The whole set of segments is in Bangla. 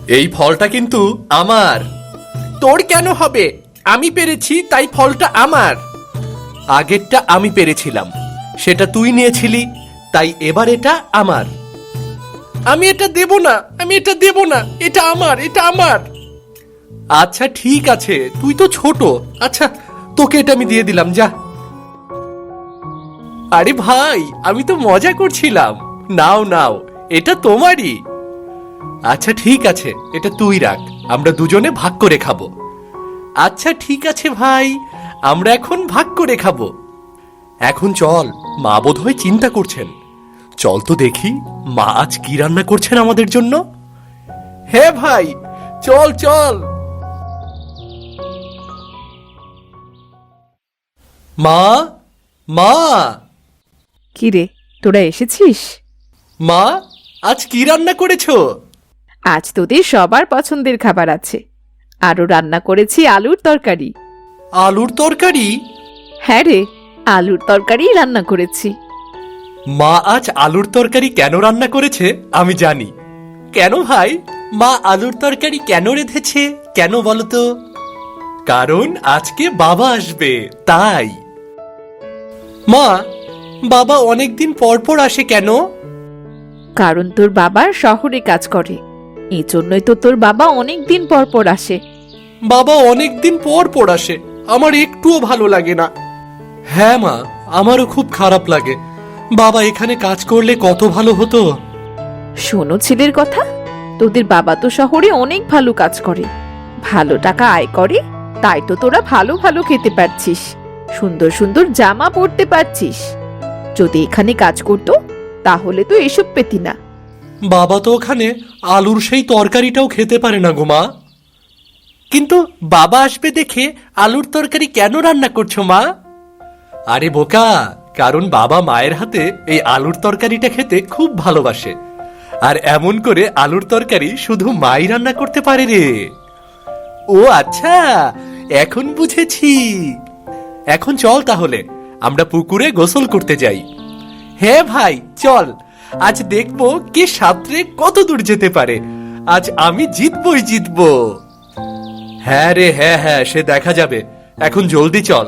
এই ফলটা কিন্তু আমার। তোর কেন হবে? আমি পেরেছি তাই ফলটা আমার। আগেরটা আমি পেরেছিলাম, সেটা তুই নিয়েছিলি, তাই এবার এটা আমার। আমি এটা দেব না, আমি এটা দেব না, এটা আমার, এটা আমার। আচ্ছা ঠিক আছে, তুই তো ছোট। আচ্ছা তোকে এটা আমি দিয়ে দিলাম, যা। আরে ভাই, আমি তো মজা করছিলাম। নাও নাও, এটা তোমারই। আচ্ছা ঠিক আছে, এটা তুই রাখ, আমরা দুজনে ভাগ করে খাবো। আচ্ছা ঠিক আছে ভাই, আমরা এখন ভাগ করে খাবো। এখন চল, মা বোধহয় চিন্তা করছেন। চল তো দেখি মা আজ কি রান্না করছেন আমাদের জন্য। হ্যাঁ ভাই, চল চল। মা, মা, কিরে, তোরা এসেছিস? মা, আজ কি রান্না করেছো? আজ তোদের সবার পছন্দের খাবার আছে। আরও রান্না করেছি আলুর তরকারি। আলুর তরকারি? হ্যাঁ রে, আলুর তরকারি রান্না করেছি। মা আজ আলুর তরকারি কেন রান্না করেছে আমি জানি। কেন ভাই, মা আলুর তরকারি কেন রেঁধেছে, কেন বলো তো? কারণ আজকে বাবা আসবে, তাই। মা, বাবা অনেকদিন পর পর আসে কেন? কারণ তোর বাবা শহরে কাজ করে, এই জন্যই তো তোর বাবা অনেক দিন পর পর আসে। বাবা অনেকদিন পর পর আসে, আমার একটুও ভালো লাগে না। হ্যাঁ মা, আমারও খুব খারাপ লাগে। বাবা এখানে কাজ করলে কত ভালো হতো। শোনো ছেলের কথা, তোদের বাবা তো শহরে অনেক ভালো কাজ করে, ভালো টাকা আয় করে, তাই তো তোরা ভালো ভালো খেতে পারছিস, সুন্দর সুন্দর জামা পরতে পারছিস। যদি এখানে কাজ করতো তাহলে তো এসব পেতি না। বাবা তো ওখানে আলুর সেই তরকারিটাও খেতে পারে না গো মা। কিন্তু বাবা আসবে দেখে আলুর তরকারি কেন রান্না করছো মা? আরে বোকা, কারণ বাবা মায়ের হাতে এই আলুর তরকারিটা খেতে খুব ভালোবাসে। আর এমন করে আলুর তরকারি শুধু মাই রান্না করতে পারে রে। ও আচ্ছা, এখন বুঝেছি। এখন চল তাহলে আমরা পুকুরে গোসল করতে যাই। হ্যাঁ ভাই চল, আজ দেখবো কে সাঁতরে কত দূর যেতে পারে। আজ আমি জিতবই জিতবো। হ্যাঁ রে, হ্যাঁ হ্যাঁ, সে দেখা যাবে। এখন জলদি চল।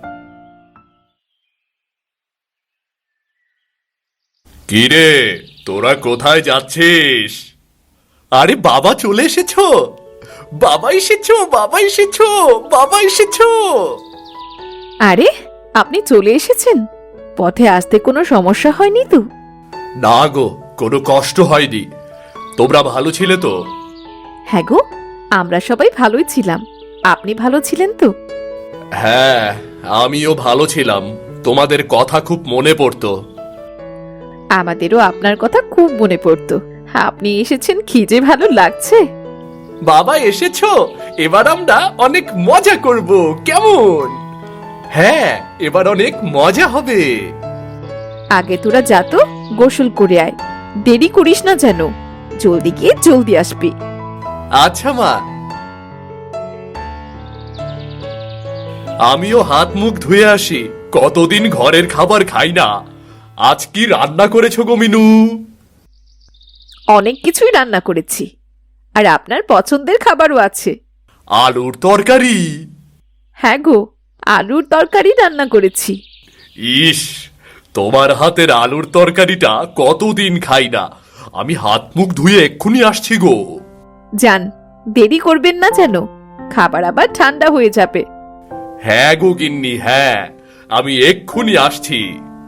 কিরে, তোরা কোথায় যাচ্ছিস? আরে বাবা চলে এসেছো, বাবা এসেছো, বাবা এসেছো, বাবা এসেছো। আরে, আপনি চলে এসেছেন? পথে আসতে কোনো সমস্যা হয়নি তো? না গো, কোনো কষ্ট হয়নি। তোমরা ভালো ছিলে তো? হ্যাঁ গো, আমরা সবাই ভালোই ছিলাম। আপনি ভালো ছিলেন তো? হ্যাঁ, আমিও ভালো ছিলাম। তোমাদের কথা খুব মনে পড়তো। আমাদেরও আপনার কথা খুব মনে পড়তো। আপনি এসেছেন কি যে ভালো লাগছে। বাবা এসেছো, এবার আমরা অনেক মজা করব, কেমন? হ্যাঁ, এবার অনেক মজা হবে। আগে তোরা যা তো, গোসল করে আয়, দেরি করিস না যেন। জলদি গিয়ে জলদি আসবি। আচ্ছা মা। আমিও হাত মুখ ধুয়ে আসি, কতদিন ঘরের খাবার খাই না। আজ কি রান্না করেছো গো মিনু? অনেক কিছুই রান্না করেছি, আর আপনার পছন্দের খাবারও আছে। আলুর তরকারি? হ্যাঁ গো, আলুর তরকারি রান্না করেছি। ইস, তোমার হাতের আলুর তরকারিটা কতদিন খাই না। আমি হাত মুখ ধুয়ে এক্ষুনি আসছি গো। যান, দেরি করবেন না যেন, খাবার আবার ঠান্ডা হয়ে যাবে। হ্যাঁ গো গিন্নি, হ্যাঁ, আমি এক্ষুনি আসছি।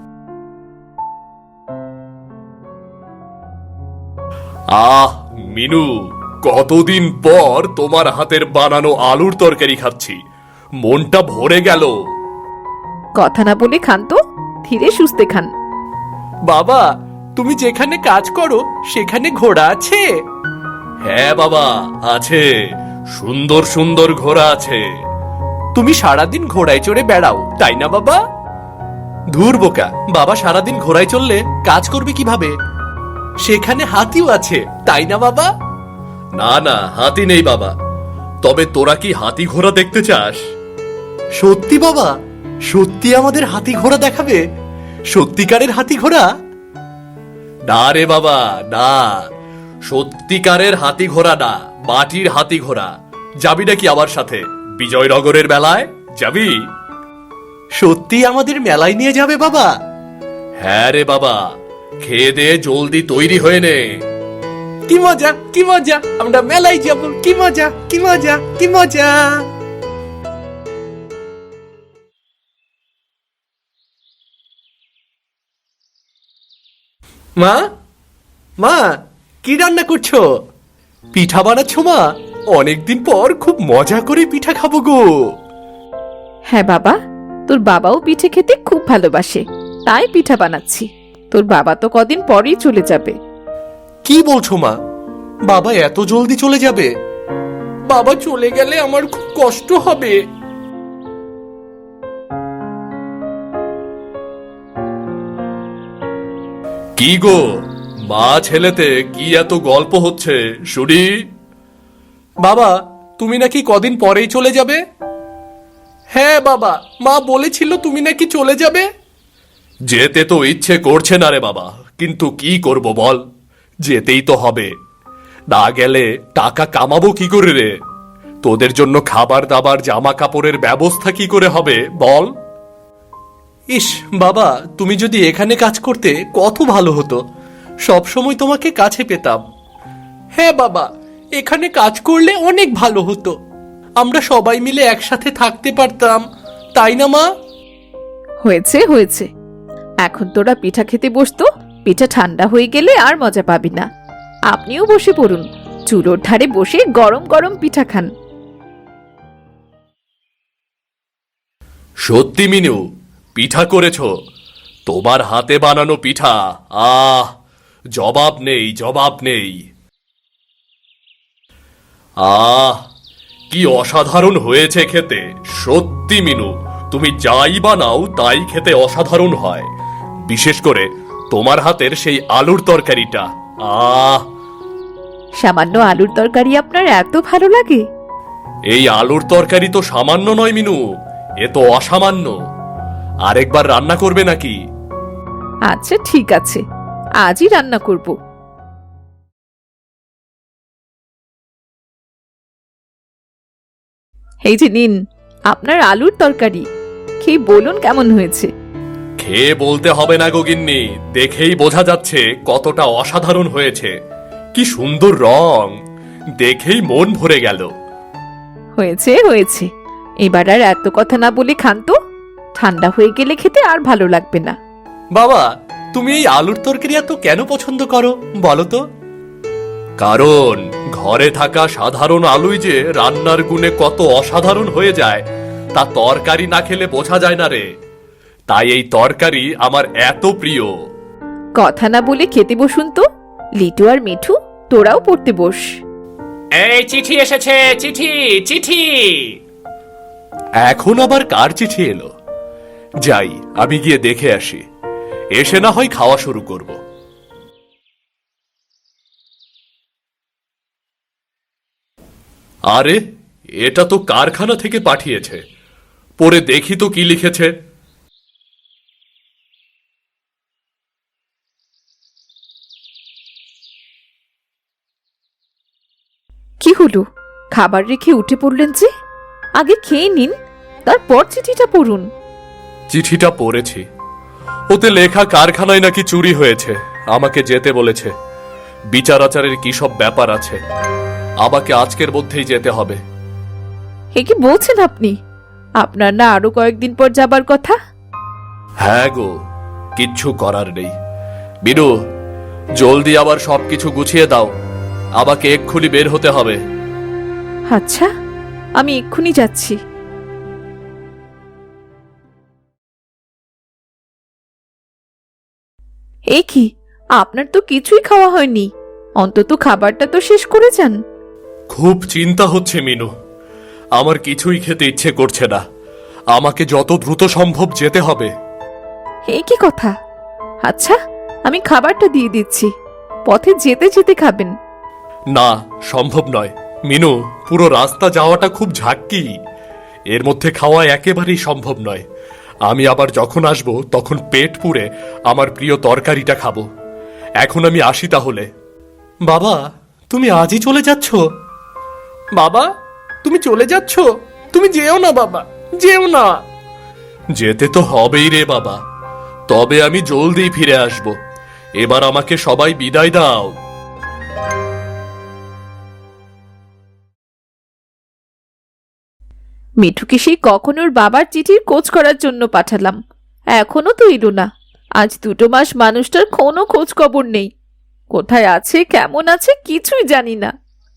আহ মিনু, কতদিন পর তোমার হাতের বানানো আলুর তরকারি খাচ্ছি, মনটা ভরে গেল। কথা না বলে খান তো, ধীরে সুস্থে খান। বাবা, তুমি যেখানে কাজ করো সেখানে ঘোড়া আছে? হ্যাঁ বাবা, আছে, সুন্দর সুন্দর ঘোড়া আছে। তুমি সারাদিন ঘোড়ায় চড়ে বেড়াও, তাই না বাবা? ধুর বোকা, বাবা সারাদিন ঘোড়ায় চললে কাজ করবে কিভাবে? সেখানে হাতিও আছে, তাই না বাবা? না না, হাতি নেই বাবা। তবে তোরা কি হাতি ঘোড়া দেখতে চাস? সত্যি বাবা, সত্যি আমাদের হাতি ঘোড়া দেখাবে? সত্যিকারের হাতি ঘোড়া? না রে বাবা, না, সত্যিকারের হাতি ঘোড়া না, মাটির হাতি ঘোড়া। যাবি নাকি আমার সাথে বিজয়নগরের মেলায়? যাবি? সত্যি আমাদের মেলায় নিয়ে যাবে বাবা? হ্যাঁ রে বাবা, খেয়ে দে, জলদি তৈরি হয়ে নে। কি মজা, কি মজা, আমরা মেলায় যাব, কি মজা, কি মজা, কি মজা। মা, মা, কি রান্না করছো? পিঠা বানাচ্ছ মা? অনেকদিন পর খুব মজা করে পিঠা খাবো গো। হ্যাঁ বাবা, তোর বাবাও পিঠে খেতে খুব ভালোবাসে, তাই পিঠা বানাচ্ছি। তোর বাবা তো কদিন পরেই চলে যাবে। কি বলছো মা? বাবা এত জলদি চলে যাবে? বাবা চলে গেলে আমার খুব কষ্ট হবে। কি গো, মা ছেলেতে কি এত গল্প হচ্ছে শুনি? বাবা, তুমি নাকি কদিন পরেই চলে যাবে? হ্যাঁ বাবা, মা বলেছিল তুমি নাকি চলে যাবে। যেতে তো ইচ্ছে করছে না রে বাবা, কিন্তু কি করব বল, যেতেই তো হবে। না গেলে টাকা কামাবো কি করে রে? তোদের জন্য খাবার দাবার জামা কাপড়ের ব্যবস্থা কি করে হবে বল? ইস বাবা, তুমি যদি এখানে কাজ করতে কত ভালো হতো, সব সময় তোমাকে কাছে পেতাম। হ্যাঁ বাবা, এখানে কাজ করলে অনেক ভালো হতো, আমরা সবাই মিলে একসাথে থাকতে পারতাম, তাই না মা? হয়েছে হয়েছে, এখন তোরা পিঠা খেতে বসতো। পিঠা ঠান্ডা হয়ে গেলে আর মজা পাবি না। আপনিও বসে পড়ুন, চুলোর ধারে বসে গরম গরম পিঠা খান। সত্যি মিনু, পিঠা করেছো? তোমার হাতে বানানো পিঠা, আহ, জবাব নেই, জবাব নেই। আহ, কি অসাধারণ হয়েছে খেতে। সত্যি মিনু, তুমি যাই বানাও তাই খেতে অসাধারণ হয়। বিশেষ করে তোমার হাতের সেই আলুর তরকারিটা, আহ। সামান্য আলুর তরকারি আপনার এত ভালো লাগে? এই আলুর তরকারি তো সামান্য নয় মিনু, এ তো অসামান্য। আরেকবার রান্না করবে নাকি? আচ্ছা ঠিক আছে, আজই রান্না করব। এই যে নিন আপনার আলুর তরকারি, খেয়ে বলুন কেমন হয়েছে। খেয়ে বলতে হবে না গিন্নি, দেখেই বোঝা যাচ্ছে কতটা অসাধারণ হয়েছে। কি সুন্দর রং, দেখেই মন ভরে গেল। হয়েছে হয়েছে, এবার আর এত কথা না বলে খান তো, ঠান্ডা হয়ে গেলে খেতে আর ভালো লাগবে না। বাবা, তুমি এই আলুর তরকারি এত কেন পছন্দ করো বলো তো? কারণ ঘরে থাকা সাধারণ আলুই যে রান্নার গুণে কত অসাধারণ হয়ে যায় তা তরকারি না খেলে বোঝা যায় না রে। তাই এই তরকারি আমার এত প্রিয়। কথা না বলে খেতে বসুন তো। লিটু আর মিঠু, তোরাও পড়তে বস। এই চিঠি এসেছে, চিঠি চিঠি। এখন আবার কার চিঠি এলো? যাই, আমি গিয়ে দেখে আসি, এসে না হয় খাওয়া শুরু করব। আরে, এটা তো কারখানা থেকে পাঠিয়েছে। পরে দেখি তো কি লিখেছে। কি হলো, খাবার রেখে উঠে পড়লেন যে? আগে খেয়ে নিন, তারপর চিঠিটা পড়ুন। চিঠিটা পড়েছি, ওতে লেখা কারখানায় নাকি চুরি হয়েছে, আমাকে যেতে বলেছে। বিচার আচারের কি সব ব্যাপার আছে, আমাকে আজকের মধ্যেই যেতে হবে। এ কি বলছেন আপনি? আপনার না আরো কয়েকদিন পর যাবার কথা? হ্যাঁ গো, কিচ্ছু করার নেই। বিনু, জলদি আবার সবকিছু গুছিয়ে দাও, আমাকে এক্ষুনি বের হতে হবে। আচ্ছা, আমি এক্ষুনি যাচ্ছি। এ কি, আপনার তো কিছুই খাওয়া হয়নি, অন্তত খাবারটা তো শেষ করে যান। খুব চিন্তা হচ্ছে মিনু, আমার কিছুই খেতে ইচ্ছে করছে না। আমাকে যত দ্রুত সম্ভব যেতে হবে। এ কি কথা? আচ্ছা, আমি খাবারটা দিয়ে দিচ্ছি, পথে যেতে যেতে খাবেন। না, সম্ভব নয় মিনু, পুরো রাস্তা যাওয়াটা খুব ঝাঁকি, এর মধ্যে খাওয়া একেবারেই সম্ভব নয়। আমি আবার যখন আসব তখন পেট পুড়ে আমার প্রিয় তরকারিটা খাবো। এখন আমি আসি তাহলে। বাবা, তুমি আজই চলে যাচ্ছ? বাবা, তুমি চলে যাচ্ছ? তুমি যেও না বাবা, যেও না। যেতে তো হবেই রে বাবা, তবে আমি জলদি ফিরে আসব। এবার আমাকে সবাই বিদায় দাও। মিঠুকে সেই কখন ওর বাবার চিঠির খোঁজ করার জন্য পাঠালাম, এখনো তো এলো না। আজ 2 মাস মানুষটার কোনো খোঁজ খবর নেই। কোথায় আছে, কেমন আছে, কিছুই জানি না।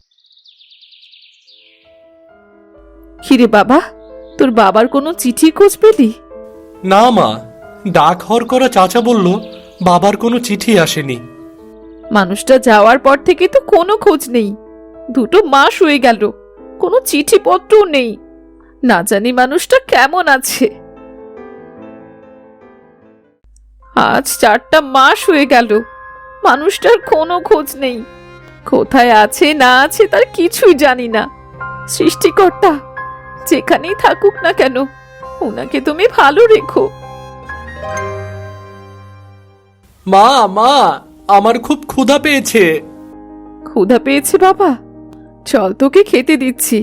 কিরে বাবা, তোর বাবার কোনো চিঠি খোঁজ পেলি? না মা, ডাক হর করা চাচা বলল বাবার কোনো চিঠি আসেনি। মানুষটা যাওয়ার পর থেকে তো কোনো খোঁজ নেই। 2 মাস হয়ে গেল, কোনো চিঠিপত্রও নেই। না জানি মানুষটা কেমন আছে। আজ 4টা মাস হয়ে গেল, মানুষটার কোনো খোঁজ নেই। কোথায় আছে না আছে তার কিছুই জানি না। সৃষ্টিকর্তা, যেখানেই থাকুক না কেন, ওনাকে তুমি ভালো রেখো। মা মা, আমার খুব ক্ষুধা পেয়েছে। ক্ষুধা পেয়েছে বাবা? চল তোকে খেতে দিচ্ছি।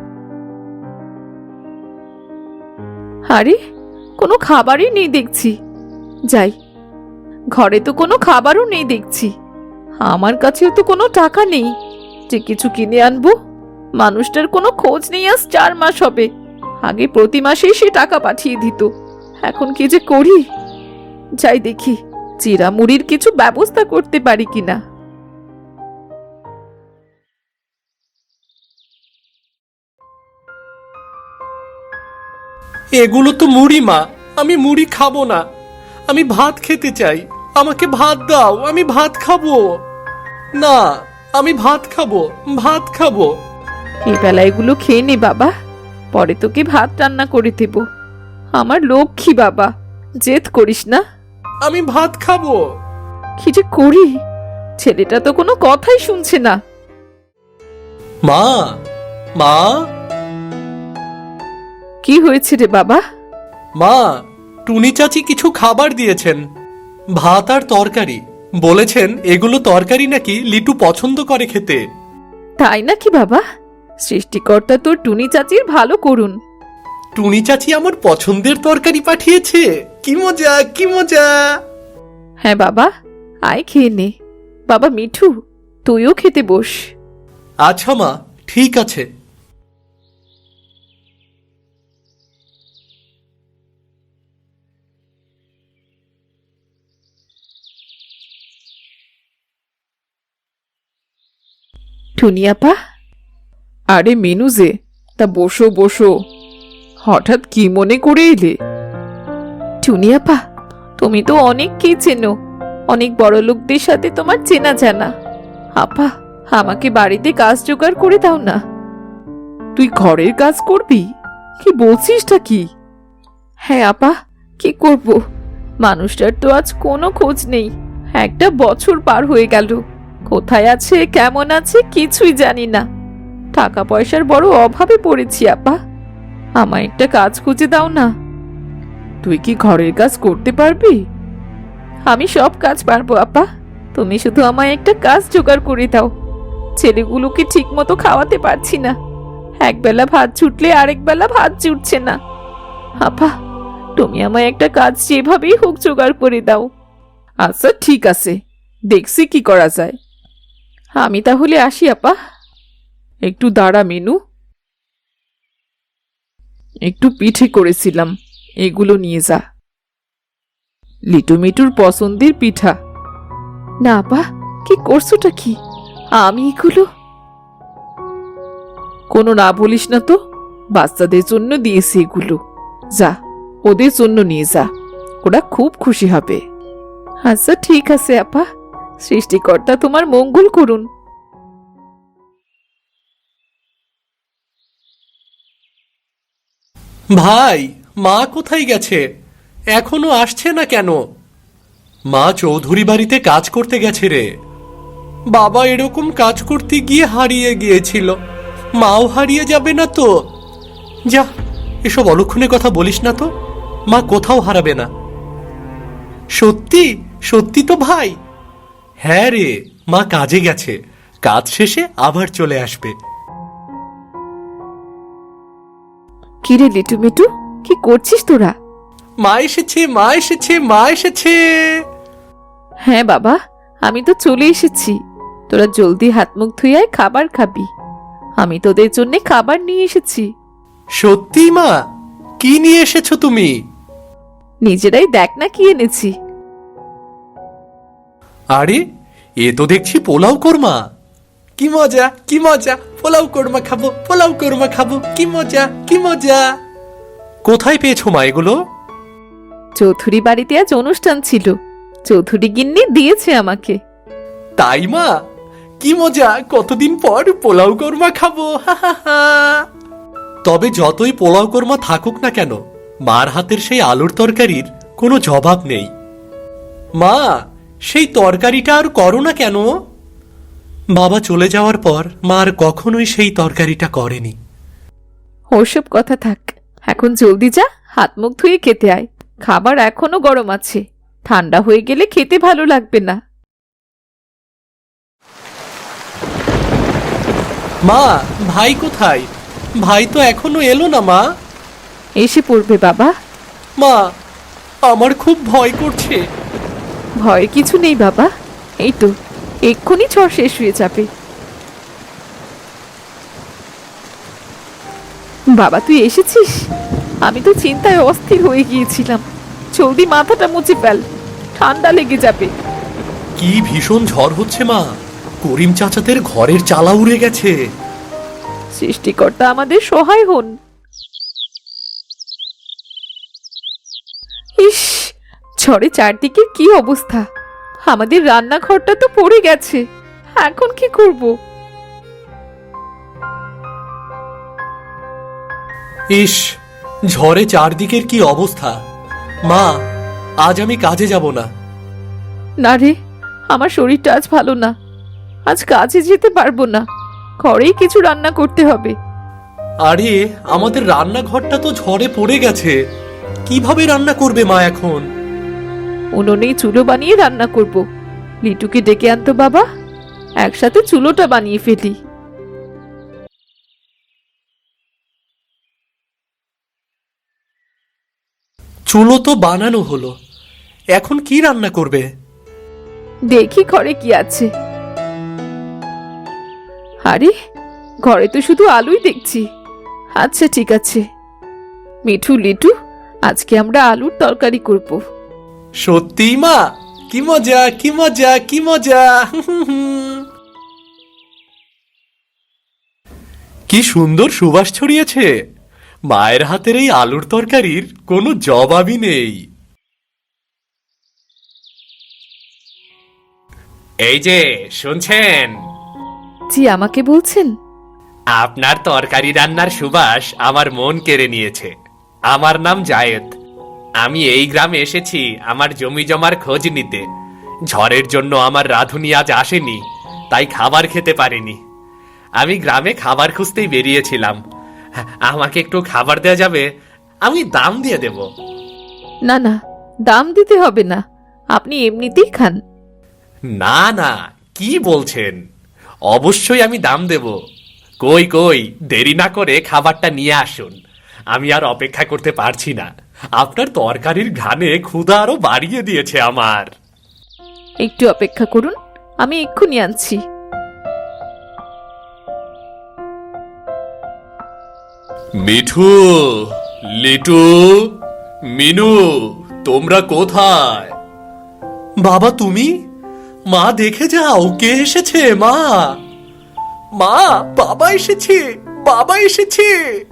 আরে, কোনো খাবারই নেই দেখছি। যাই, ঘরে তো কোনো খাবারও নেই দেখছি। আমার কাছেও তো কোনো টাকা নেই যে কিছু কিনে আনবো। মানুষটার কোনো খোঁজ নেই, আজ 4 মাস হবে। আগে প্রতি মাসেই সে টাকা পাঠিয়ে দিত। এখন কি যে করি? যাই দেখি, চিরা মুড়ির কিছু ব্যবস্থা করতে পারি কিনা। এগুলো তো মুড়ি মা, আমি মুড়ি খাবো না। আমি ভাত খেতে চাই, আমাকে ভাত দাও, আমি ভাত খাবো। না, আমি ভাত খাবো, ভাত খাবো। এই বেলা এগুলো খেয়ে নে বাবা, পরে তোকে ভাত রান্না করে দেব। আমার লক্ষ্মী বাবা, জেদ করিস না। আমি ভাত খাবো। কি যে করি, ছেলেটা তো কোনো কথাই শুনছে না। মা মা, কি হয়েছে রে বাবা? মা, টুনি চাচি কিছু খাবার দিয়েছেন, ভাত আর তরকারি। বলেছেন এগুলো তরকারি নাকি লিটু পছন্দ করে খেতে। তাই নাকি বাবা? সৃষ্টিকর্তা তোর টুনি চাচির ভালো করুন। টুনি চাচি আমার পছন্দের তরকারি পাঠিয়েছে, কি মজা কি মজা। হ্যাঁ বাবা, আয় খেয়ে নে। বাবা মিঠু, তুইও খেতে বস। আচ্ছা মা, ঠিক আছে। টুনিয়াপা, আরে মেনু যে, তা বসো বসো। হঠাৎ কি মনে করে এলে? টুনিয়াপা, তুমি তো অনেক কি চেনো, অনেক বড় লোকদের সাথে তোমার চেনা জানা। আপা, আমাকে বাড়িতে কাজ জোগাড় করে দাও না। তুই ঘরের কাজ করবি? কি বলছিসটা কি? হ্যাঁ আপা, কি করব? মানুষটার তো আজ কোনো খোঁজ নেই। 1টা বছর পার হয়ে গেল। কোথায় আছে, কেমন আছে, কিছুই জানি না। টাকা পয়সার বড় অভাবে পড়েছি আপা, আমায় একটা কাজ খুঁজে দাও না। তুই কি ঘরের কাজ করতে পারবি? আমি সব কাজ পারবো আপা, তুমি শুধু আমায় একটা কাজ জোগাড় করে দাও। ছেলেগুলোকে ঠিক মতো খাওয়াতে পারছি না। একবেলা ভাত ছুটলে আরেক বেলা ভাত জুটছে না। আপা, তুমি আমায় একটা কাজ যেভাবেই হোক জোগাড় করে দাও। আচ্ছা ঠিক আছে, দেখছি কি করা যায়। আমি তাহলে আসি আপা। একটু দাঁড়া মেনু, একটু পিঠে করেছিলাম, এগুলো নিয়ে যা। লিটু মিটুর পছন্দের পিঠা। না আপা, কি করছোটা কি? আমি এগুলো কোনো না বলিস না তো, বাচ্চাদের জন্য দিয়েছি এগুলো। যা, ওদের জন্য নিয়ে যা, ওরা খুব খুশি হবে। আচ্ছা ঠিক আছে আপা, সৃষ্টিকর্তা তোমার মঙ্গল করুন। ভাই, মা কোথায় গেছে? এখনো আসছে না কেন? মা চৌধুরী বাড়িতে কাজ করতে গেছে রে। বাবা এরকম কাজ করতে গিয়ে হারিয়ে গিয়েছিল, মাও হারিয়ে যাবে না তো? যা, এসব অলক্ষণে কথা বলিস না তো, মা কোথাও হারাবে না। সত্যি সত্যি তো ভাই? হ্যাঁ রে, মা কাজে গেছে, কাজ শেষে আবার চলে আসবে। কিরে লিটু মিটু, কি করছিস তোরা? মা এসেছে, মা এসেছে, মা এসেছে। হ্যাঁ বাবা, আমি তো চলে এসেছি। তোরা জলদি হাত মুখ ধুয়ে খাবার খাবি। আমি তোদের জন্য খাবার নিয়ে এসেছি। সত্যি মা? কি নিয়ে এসেছো তুমি? নিজেরাই দেখ না কি এনেছি। আরে, এ তো দেখছি পোলাও কোরমা। কি মজা, কি মজা! পোলাও কোরমা খাবো, পোলাও কোরমা খাবো, কি মজা, কি মজা! কোথায় পেয়েছো মা এগুলো? চৌধুরী বাড়িতে আজ অনুষ্ঠান ছিল, চৌধুরী গিন্নি দিয়েছে আমাকে। তাই মা? কি মজা! কতদিন পর পোলাও কোরমা খাবো, হা হা হা। তবে যতই পোলাও কোরমা থাকুক না কেন, মার হাতের সেই আলুর তরকারির কোনো জবাব নেই। মা, সেই তরকারিটা আর করো না কেন? বাবা চলে যাওয়ার পর মা আর কখনোই সেই তরকারিটা করেনি। ওসব কথা থাক, এখন জলদি যা, হাত মুখ ধুয়ে খেতে আয়। খাবার এখনো গরম আছে, ঠান্ডা হয়ে গেলে খেতে ভালো লাগবে না। মা, ভাই কোথায়? ভাই তো এখনো এলো না মা। এসে পড়বে বাবা। মা, আমার খুব ভয় করছে। ভয়ের কিছু নেই বাবা, এই তো এক্ষুনি ঝড় শেষ হয়ে যাবে। বাবা তুই এসেছিস? আমি তো চিন্তায় অস্থির হয়ে গিয়েছিলাম। জলদি মাথাটা মুছে ফেল, ঠান্ডা লেগে যাবে। কি ভীষণ ঝড় হচ্ছে মা! করিম চাচাদের ঘরের চালা উড়ে গেছে। সৃষ্টিকর্তা আমাদের সহায় হন। ইস, ঝড়ে চারদিকে কি অবস্থা! আমাদের রান্নাঘরটা তো পড়ে গেছে, এখন কি করব? ইস, ঝড়ে চারদিকের কি অবস্থা! মা, আজ আমি কাজে যাব না। না রে, আমার শরীরটা আজ ভালো না, আজ কাজে যেতে পারবো না। ঘরেই কিছু রান্না করতে হবে। আরে, আমাদের রান্নাঘরটা তো ঝড়ে পড়ে গেছে। কিভাবে রান্না করবে মা এখন? উনুনেই চুলো বানিয়ে রান্না করব। লিটুকে ডেকে আনতো বাবা, একসাথে চুলোটা বানিয়ে ফেলি। চুলো তো বানানো হলো, এখন কি রান্না করবে? দেখি ঘরে কি আছে। আরে, ঘরে তো শুধু আলুই দেখছি। আচ্ছা ঠিক আছে, মিঠু লিটু, আজকে আমরা আলুর তরকারি করব। সত্যি মা? কি মজা, কি মজা, কি মজা! কি সুন্দর সুবাস ছড়িয়েছে! মায়ের হাতের এই আলুর তরকারির কোনো জবাবই নেই। এই যে শুনছেন, জি, আমাকে বলছেন? আপনার তরকারি রান্নার সুবাস আমার মন কেড়ে নিয়েছে। আমার নাম জায়েদ। আমি এই গ্রামে এসেছি আমার জমি জমার খোঁজ নিতে। ঝড়ের জন্য আমার রাঁধুনি আজ আসেনি, তাই খাবার খেতে পারিনি। আমি গ্রামে খাবার খুঁজতেই বেরিয়েছিলাম। আমাকে একটু খাবার দেওয়া যাবে? আমি দাম দিয়ে দেব। না না, দাম দিতে হবে না, আপনি এমনিতেই খান। না না, কি বলছেন? অবশ্যই আমি দাম দেব। কই কই, দেরি না করে খাবারটা নিয়ে আসুন। আমি আর অপেক্ষা করতে পারছি না। আপনার তরকারির ঘ্রাণে ক্ষুধা আরো বাড়িয়ে দিয়েছে আমার। একটু অপেক্ষা করুন, আমি এক্ষুনি আনছি। মিঠু, লিটু, মিনু, তোমরা কোথায়? বাবা তুমি? মা দেখে যাও কে এসেছে। মা, মা, বাবা এসেছে, বাবা এসেছে।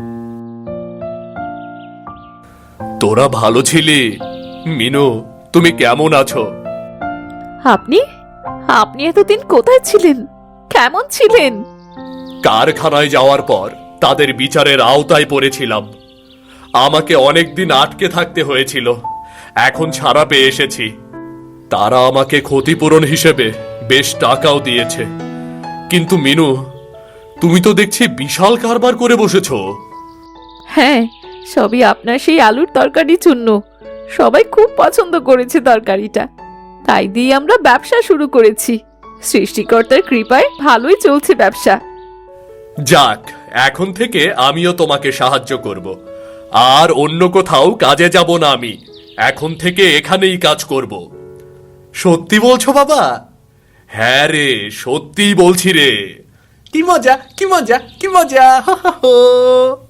তোরা ভালো ছিলি? মিনু, তুমি কেমন আছো? আপনি আপনি এতদিন কোথায় ছিলেন? কেমন ছিলেন? কারখানায় যাওয়ার পর তাদের বিচারের আওতায় পড়েছিলাম। আমাকে অনেকদিন আটকে থাকতে হয়েছিল, এখন ছাড়া পেয়ে এসেছি। তারা আমাকে ক্ষতিপূরণ হিসেবে বেশ টাকাও দিয়েছে। কিন্তু মিনু, তুমি তো দেখছি বিশাল কারবার করে বসেছো। হ্যাঁ, সবই আপনার সেই আলুর তরকারির জন্য। সবাই খুব পছন্দ করেছে তরকারিটা, তাই দিয়ে আমরা ব্যবসা শুরু করেছি। সৃষ্টিকর্তার কৃপায় ভালোই চলছে ব্যবসা। যাক, এখন থেকে আমিও তোমাকে সাহায্য করব। আর অন্য কোথাও কাজে যাব না আমি। এখন থেকে এখানেই কাজ করব। সত্যি বলছো বাবা? হ্যাঁ রে, সত্যিই বলছি রে। কি মজা, কি মজা, কি মজা! হো হো হো।